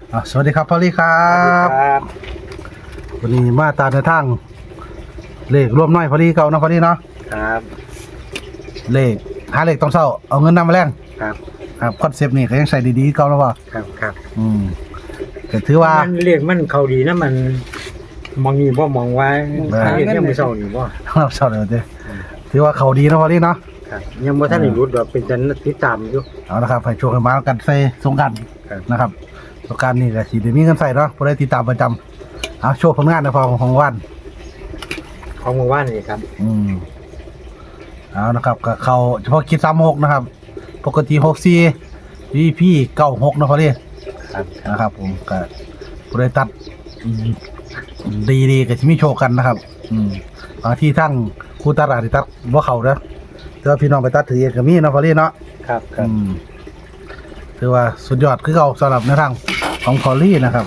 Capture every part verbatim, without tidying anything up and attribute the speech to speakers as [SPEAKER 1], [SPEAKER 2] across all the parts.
[SPEAKER 1] อ่ะสวัสดีครับพอลลี่ครับ
[SPEAKER 2] ครับ
[SPEAKER 1] วันนี้มาตามในทางเลขร่วมน้อยพอลลี่เก่านะพอลลี่เนาะ
[SPEAKER 2] ครับ
[SPEAKER 1] เลขหาเลขต้องเศร้าเอาเงินนำมาแรง
[SPEAKER 2] ครับ
[SPEAKER 1] ครับคอนเซปต์นี่ก็ยังใส่ดีๆเก่าแล้วป่ะ
[SPEAKER 2] ครับครับ
[SPEAKER 1] อืมก็ถือว่า
[SPEAKER 2] มันเรียกมันเขาดีนะมันมองนี่บ่มองไว้เรียกยังไม่เศร้านี่บ่
[SPEAKER 1] เราเศร้าเลยเด้ถือว่าเขาดีนะพอลลี่เนาะ
[SPEAKER 2] ครับยังบ่ทันได้รู้ดอกเป็นจันติดตามอยู่
[SPEAKER 1] เอาละครับให้โชคให้มากันใส่สงกรานต์นะครับสงกรานต์นี่ก็สิได้มีเงินใส่เนาะบ่ได้ติดตามประจำเอาโชว์ผลงานในพอของวัน
[SPEAKER 2] ของเมื่อวานนี่ครับ
[SPEAKER 1] อืมเอานะครับก็เขาเฉพาะคิดสามหกนะครับปกติหกสี่วีพีเก้าหกนะพอดี
[SPEAKER 2] ครับ
[SPEAKER 1] นะครับผมก็บริตัดดีดีก็จะมีโชว์กันนะครับอืมบางที่ทั้งคู่ตัดอาจจะตัดว่าเขาเด้อแต่ว่าพี่น้องไปตัดถือเองก็มีนะพอดีเนาะ
[SPEAKER 2] ครับครับ
[SPEAKER 1] ถือว่าสุดยอดคือเขาสำหรับในทางของพอลี่นะครับ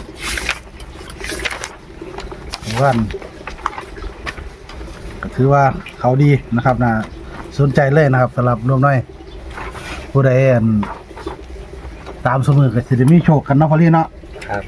[SPEAKER 1] วันก็ถือว่าเขาดีนะครับนะสนใจเลยนะครับสำหรับรวมน้อยผู้ใดตามสมือก็จะมีโชคกันเนาะพอลี่เนาะ
[SPEAKER 2] ครับ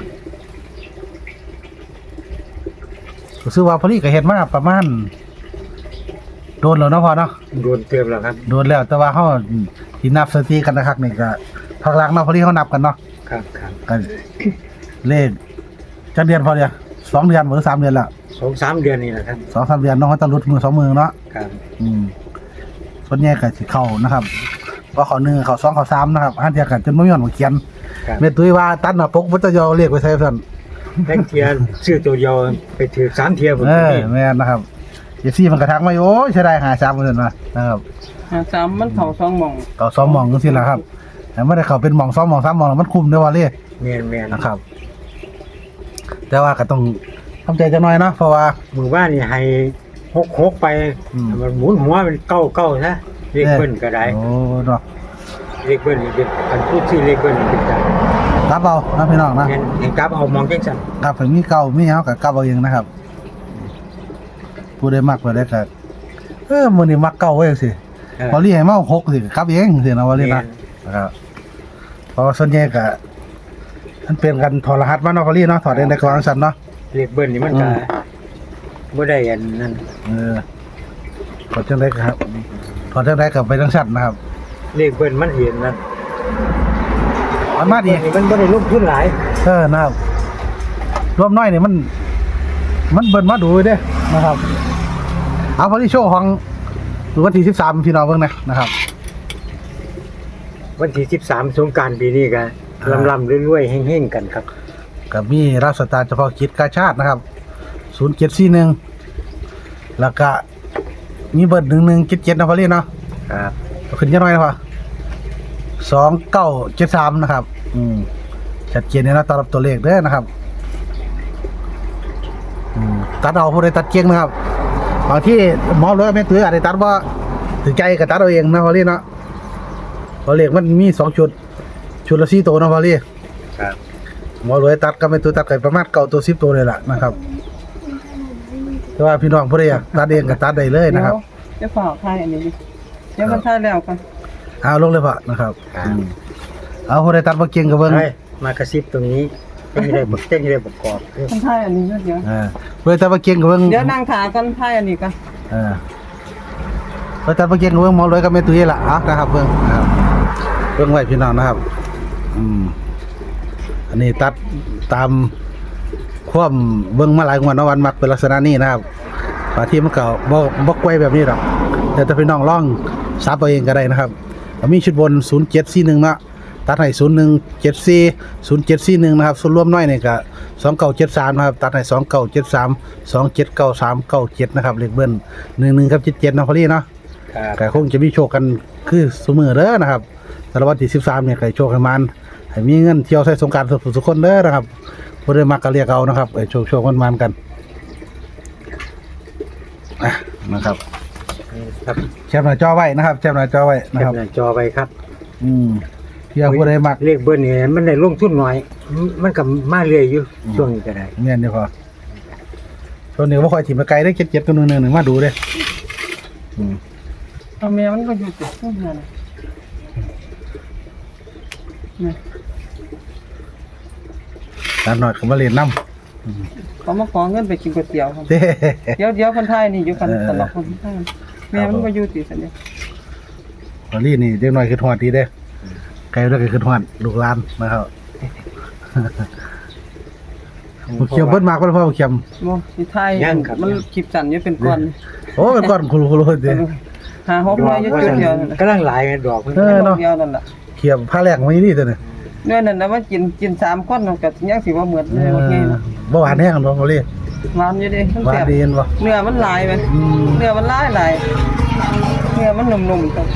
[SPEAKER 1] ก็ซื้อว่าพอลี่ก็เห็นมาประมาณโดนแล้วเนาะพอเนาะ
[SPEAKER 2] โดนเติมแล้วครับ
[SPEAKER 1] โดนแล้วแต่ว่าเขาที่นับสถิติกันนะครับนี่ก็พักหลังเนาะพอลี่เขานับกันเนาะ
[SPEAKER 2] ครับครับ
[SPEAKER 1] กันเลขจะเดือนพอเนี่ยสองเดือนหรือสามเดือนละ
[SPEAKER 2] สองสามเดือนนี่แหละครับ
[SPEAKER 1] สองสามเดือนน้องเขาตะลุดมือสองมือเนาะ
[SPEAKER 2] ครับ
[SPEAKER 1] อืมส่วนใหญ่ก็สิเข้านะครับก็เขาหนึ่งเขาสองเขาสามนะครับอันเดียวกันจนไม่มีวันเขียนเมตุยว่าตัดหน้าปกพุทธยอเรียกไปใช้สั่น
[SPEAKER 2] แท็กเทียชื่อตัวเดียวไปถือสามเทียบ
[SPEAKER 1] เออแม่นนะครับเอฟซีมันกระทักมาโอ้ยใช่ได้หาสามเปอร์เซ็นต์มานะครับ
[SPEAKER 3] หาสามมันเขาสองมอง
[SPEAKER 1] เขาสองมองก็สิแหละครับแต่ไม่ได้เขาเป็นมองสองมองสามมองมันคุมด้วยว่าเรียก
[SPEAKER 2] แม่นแม่น
[SPEAKER 1] นะครับแต่ว่าก็ต้องทำใจจะน้อยเนาะเพราะว่า
[SPEAKER 2] หมู่บ้านนี่ให้หกหกไปมันหมุนหัวเป็นเก้าเก้าซะเลขเบิ้ลก็ได้
[SPEAKER 1] โอ้เนาะ
[SPEAKER 2] เลขเบิ้ลนี่เป็นการพูดที่เลขเบิ้ลนี่เป็นจัง
[SPEAKER 1] กลับเอานะพี่น้องนะ
[SPEAKER 2] เห็นเห็นกลับเอามองจังซั่น
[SPEAKER 1] ครับถึงมีเก่ามีเฮากับกลับเอาเองนะครับผู้ใดมักบ่ได้ก็เออมื้อนี้มักเก่าไว้จังซี่พอเรียกให้มาหกสิกลับเองสินะว่าเรียกนะนะครับเพราะส่วนใหญ่ก็มันเป็นกันถอดรหัสมาเนาะพอเรียกเนาะถอดเองได้กลางซั่นเนาะ
[SPEAKER 2] เลขเบิ้ลนี่มันก็บ่ได้อันนั้น
[SPEAKER 1] เออถอดจังได๋ครับถอดจังได๋ก็ไปจังซั่นนะครับ
[SPEAKER 2] เลขเบิ้ลมันเห็นนะ
[SPEAKER 1] มันมาดี
[SPEAKER 2] มันบ่ได้ลงทุนหลาย
[SPEAKER 1] เออนะครับรวมน้อยนี่มันมันเบิ้ลมาดูเด้นะครับเอาพอที่โชว์ของวันที่สิบสามพี่น้องเบิ่งนะนะครับ
[SPEAKER 2] วันที่สิบสามสงกรานต์ปีนี้ก็ลำๆรวยๆเฮงๆกันครับ
[SPEAKER 1] กับมีรับสตาร์เฉพาะกิจกาชาตินะครับศูนย์เจ็ดสี่หนึ่งแล้วก็มีเบอร์หนึ่งหนึ่งเจ็ดเจ็ดนะพอลี่เนาะ
[SPEAKER 2] ครับ
[SPEAKER 1] ขึ้นยังน้อยนะพอสองเก้าเจ็ดสามนะครับอืมชัดเจนเลยนะตรับตัวเลขเด้อนะครับอืมตัดเอาผู้ใดตัดเก่งนะครับบางที่หมอเลยไม่ถืออาจจะตัดว่าถือใจกับตัดเอาเองนะพอลี่เนาะพอเลขมันมีสองชุดชุดละสี่ตัวนะพอลี่
[SPEAKER 2] ครับ
[SPEAKER 1] หมอเลยตัดก็ไม่ตัวตัดกันประมาณเก้าตัวสิบตัวเลยล่ะนะครับแต่ว่าพี่น้องผู้ใดอยากตัดเองก็ตัดได้เลยนะครับ
[SPEAKER 3] จะฝากใครอันนี้เดี๋ยวมันท่าแล้วกัน
[SPEAKER 1] เอาลงเลยพอนะครับเอาผู้ใดตัดมาเก่งกับเบิ้ง
[SPEAKER 2] มากระซิบตรงนี้เต้นได้บเต้นได้ประกอบ
[SPEAKER 3] มันท่าอันนี้เยอะ
[SPEAKER 1] ๆอ่าผู้ใดตัดมาเก่งกับเบิ้ง
[SPEAKER 3] เดี๋ยวนั่งขากันท่าอันนี้กัน
[SPEAKER 1] อ่าผู้ใดตัดมาเก่งกับเบิ้งหมอเลยก็ไม่ตุ้ยละอ่ะนะครับเบิ้งนะครับเบิ้งไว้พี่น้องนะครับอืมอันนี้ตัดตามความเบิ้งมาหลายงวดนะวันมักเป็นลักษณะนี้นะครับบางทีมันก็บ่บ่ไกวแบบนี้หรอกแต่ถ้าพี่น้องลองซับตัวเองก็ได้นะครับมีชุดบนศูนย์เจ็ดสี่หนึ่งนะตัดให้ศูนย์หนึ่งเจ็ดสี่ศูนย์เจ็ดสี่หนึ่งนะครับส่วนรวมน้อยนี่ก็สองเก้าเจ็ดสามนะครับตัดให้สองเก้าเจ็ดสามสองเจ็ดเก้าสามเก้าเจ็ดนะครับเลขเบิ้ลหนึ่งหนึ่งครับเจ็ดเจ็ดนะพอลี่เนาะแต่คงจะมีโชคกันคือเสมอเด้อนะครับแต่วันที่สิบสามเนี่ยใครโชคให้มันให้มีเงินเที่ยวใช้สงกรานต์สุขคนเด้อนะครับผู้ใดมักก็เรียกเอานะครับไอ้โชคโชคมันมันกันนะครับ
[SPEAKER 2] ครับ
[SPEAKER 1] แชมป์หน้าจอไว้นะครับแชมป์หน้าจอไว้นะครับ
[SPEAKER 2] แชมป์หน้าจอไว้ครับ
[SPEAKER 1] อืมเที่ยวผู้ใดมัก
[SPEAKER 2] เลขเบิ้ลนี่มันได้ลงทุนน้อยมันก็มาเรื่อยอยู่ช่วงนี้ก็ได้
[SPEAKER 1] เนี่ยนี่พอช่วงนี้ว่าคอยถิ่มมาไกลได้เจ็ดเจ็ดตัวหนึ่งหนึ่งมาดูเลย
[SPEAKER 3] อืมเอาแม่มันก็อยู่ติดตู้เงินนี่
[SPEAKER 1] ร้านหน่อยก็มาเล่นน้
[SPEAKER 3] เขามาขอเงินไปกินก๋วยเตี๋ยวครับ
[SPEAKER 1] ำเด้
[SPEAKER 3] เดี๋ยวเดี๋ยวคนไทยนี่อยู่กัน
[SPEAKER 1] เออ
[SPEAKER 3] ตลอดคนไทยแม่มันก็อยู่ติซั่นเด้
[SPEAKER 1] พอลี่นี่เด็กน้อยคือทอดดีเด้ไกลแล้วก็คือทอดลูกหลานนะครับบ่เขียวเบิดมากบ่พ่อบ่เขียม
[SPEAKER 3] บ่สิไทยมันคลิปสั่นอยู่เป็นก้อน
[SPEAKER 1] โอ้เป็นก้อนคุรุๆเด้
[SPEAKER 3] หาหก
[SPEAKER 2] ด
[SPEAKER 3] ร้
[SPEAKER 2] อ
[SPEAKER 3] อย
[SPEAKER 2] ก
[SPEAKER 3] อยู่
[SPEAKER 2] ว่า
[SPEAKER 3] จุด
[SPEAKER 2] ซั่น
[SPEAKER 3] เดียวนั่นน่ะ
[SPEAKER 2] กำลังหลายไงดอกมัน
[SPEAKER 1] เออเนาะ
[SPEAKER 3] เดียวนั่นล่ะ
[SPEAKER 1] เขียบผ้าแรกมานี่ตัวนี้
[SPEAKER 3] เนื้อนั่นน่ะว่ากินกินสามคนก็ยังสิบ่เหมือน
[SPEAKER 1] เอ
[SPEAKER 3] เลย
[SPEAKER 1] อ
[SPEAKER 3] โอเคนะ
[SPEAKER 1] บ่หวานแห้งบ่พอลี่
[SPEAKER 3] หวานอยู่เด้ทั้ง
[SPEAKER 1] หวา
[SPEAKER 3] แซ่
[SPEAKER 1] น
[SPEAKER 3] บ
[SPEAKER 1] ดีเห็นบ่
[SPEAKER 3] เนื้อมันหลายไป
[SPEAKER 1] อืม
[SPEAKER 3] เนื้อมันหลายหลายเนื้อมันนุ่มๆครับ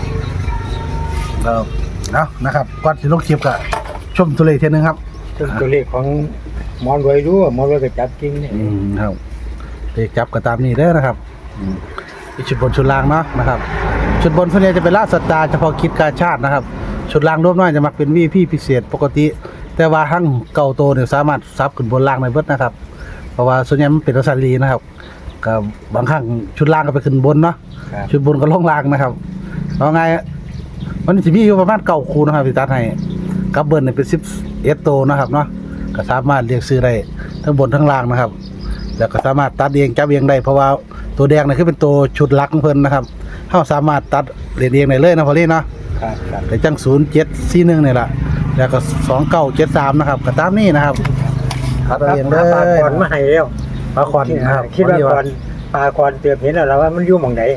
[SPEAKER 1] ครับเอานะครับก่อนสิลงคลิปก็ชมตัวเลขเทียหนึงครับ
[SPEAKER 2] ซึ่งตัวเลขของหมอนรวยรู้ว่าหมอนรวยก็จับจริงเนี่ย
[SPEAKER 1] อืมครับเลขจับก็ตามนี้เด้อนะครับอืมอีกชุดบนชุดล่างเนาะนะครับ ชุดบนส่วนใหญ่จะเป็นลาดสตาร์เฉพาะคิดกาชาตินะครับ ชุดล่างรวมน้อยจะมักเป็น วี พี พิเศษปกติ แต่ว่าทั้งเก่าโตเนี่ยสามารถซับขึ้นบนล่างได้เบิดนะครับ เพราะว่าส่วนใหญ่มันเป็นลักษณะลีนะครับก็บางครั้งชุดล่างก็ไปขึ้นบนเนาะ
[SPEAKER 2] ครับ
[SPEAKER 1] ชุดบนก็ลงล่างนะครับเอาไงมันสิมีอยู่ประมาณเก้าคู่นะครับที่ตัดให้กับเบิ้ลเนี่ยเป็นสิบเอ็ดโตวนะครับเนาะก็สามารถเรียกซื้อได้ทั้งบนทั้งล่างนะครับ แล้วก็สามารถตัดเองจับเองได้เพราะว่าตัวแดงเนี่ยคือเป็นตัวชุดหลักของเพิ่นนะครับเฮาสามารถตัดเรียนเองได้เลยนะพอลี่เนาะ
[SPEAKER 2] ครับครับ
[SPEAKER 1] แต่จังศูนย์เจ็ดสี่หนึ่งนี่แหละแล้วก็สองเก้าเจ็ดสามนะครับก็ตามนี้นะครับตัดเอาเองเล
[SPEAKER 2] ปลาย ก่อนมาให้แล้ว
[SPEAKER 1] ปลาคอนนะครับ
[SPEAKER 2] คิดว่าก่อนปลาก่อนเตือนเห็นแล้วล่ะว่ามันอยู่หม่องใด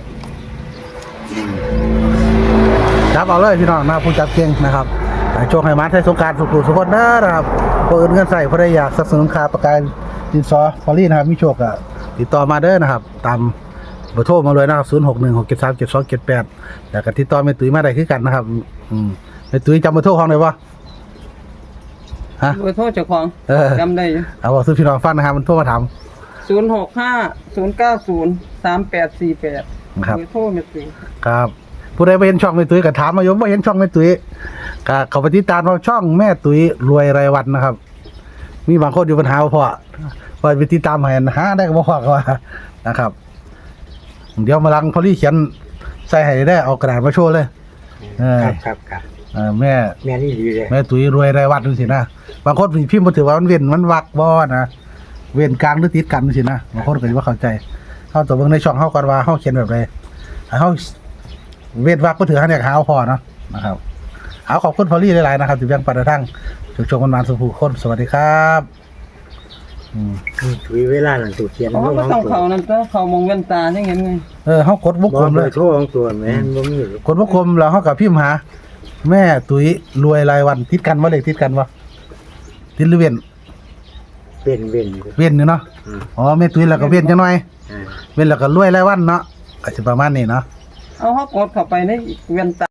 [SPEAKER 1] จับเอาเลยพี่น้องนะครับผู้จับเก่งนะครับให้โชคให้มาไทยสงกรารสุขุสุขคนเด้อนะครับผู้อื่นเงินใส่ผู้ใดอยากสนับสนุนค่าประกันดินซอฟอรี่นะครับมีโชคก็ติดต่อมาเด้อนะครับ ตามเบอร์โทรมาเลยนะครับศูนย์หกหนึ่งหกเจ็ดสามเจ็ดสองเจ็ดแปดแล้วก็ติดต่อแม่ตุ้ยมาได้คือกันนะครับอืมแม่ตุ้ยจำเบอร์โทรของได้บ่ฮะ
[SPEAKER 3] เบอร์โทรเจ้าของ
[SPEAKER 1] เออ
[SPEAKER 3] จำได้อยู่
[SPEAKER 1] เอาบอกซื้อพี่น้องฟังนะครับมันโทรมาถาม
[SPEAKER 3] ศูนย์หกห้า ศูนย์เก้าศูนย์ สามแปดสี่แปด
[SPEAKER 1] นะครับ
[SPEAKER 3] เบอร์โทรแม่ตุ้ย
[SPEAKER 1] ครับผู้ใดไปเห็นช่องแม่ตุ้ยก็ถามมาอยู่บ่เห็นช่องแม่ตุ้ยก็เข้าไปติดตามเราช่องแม่ตุ้ยรวยรายวันนะครับ มีบางคนอยู่ปัญหาว่าพ่อว่าไปติดตามให้หาได้ก็บ่พอก็ว่านะครับ เดี๋ยวมาลังพอลี่เขียนใส่ให้ได้เอากระดาษมาโชว์เลยเออ
[SPEAKER 2] ครับครับครับ
[SPEAKER 1] เออแม่
[SPEAKER 2] แม่นี่ดีเลย
[SPEAKER 1] แม่ตุ้ยรวยรายวันจังซี่นะบางคนพิมพ์บ่ถือว่ามันเว้นมันวักบ่นะเว้นกลางหรือติดกันจังซี่นะบางคนก็สิบ่เข้าใจเฮาต้องเบิ่งในช่องเฮาก่อนว่าเฮาเขียนแบบใดให้เฮาเว้นวักบ่ถือเฮาเนี่ยหาเอาพอเนาะนะครับเอาขอบคุณพอลี่หลายๆนะครับที่แบ่งปันกระทั่งชมๆมันๆสุขคนสวัสดีครับอืม
[SPEAKER 2] ถุยเวลานั่นตัวเขียน
[SPEAKER 3] เพราะว่าก็ต้องเขานั่นก็เขามองเว้นตาจังเห็นไง
[SPEAKER 1] เออเฮากดวง
[SPEAKER 2] บ่
[SPEAKER 1] กลม
[SPEAKER 2] เล
[SPEAKER 1] เลย ย
[SPEAKER 2] โทรของตัวแม่นบ่มี
[SPEAKER 1] กดวงกลมแล้วเฮากับพิมพ์หาแม่ตุ้ยรวยรายวันติดกันบ่เลขติดกันบ่ติดหรือเว้น
[SPEAKER 2] เป็นเว้น
[SPEAKER 1] เว้นอยู่เนาะ
[SPEAKER 2] อืม
[SPEAKER 1] อ๋อแม่ตุ้ยแล้วก็เว้นจังหน่อย
[SPEAKER 2] อ่า
[SPEAKER 1] เว้นแล้วก็รวยรายวันเนาะก็สิประมาณนี้เนาะ
[SPEAKER 3] เอาเขากดเข้าไปในเว้นตา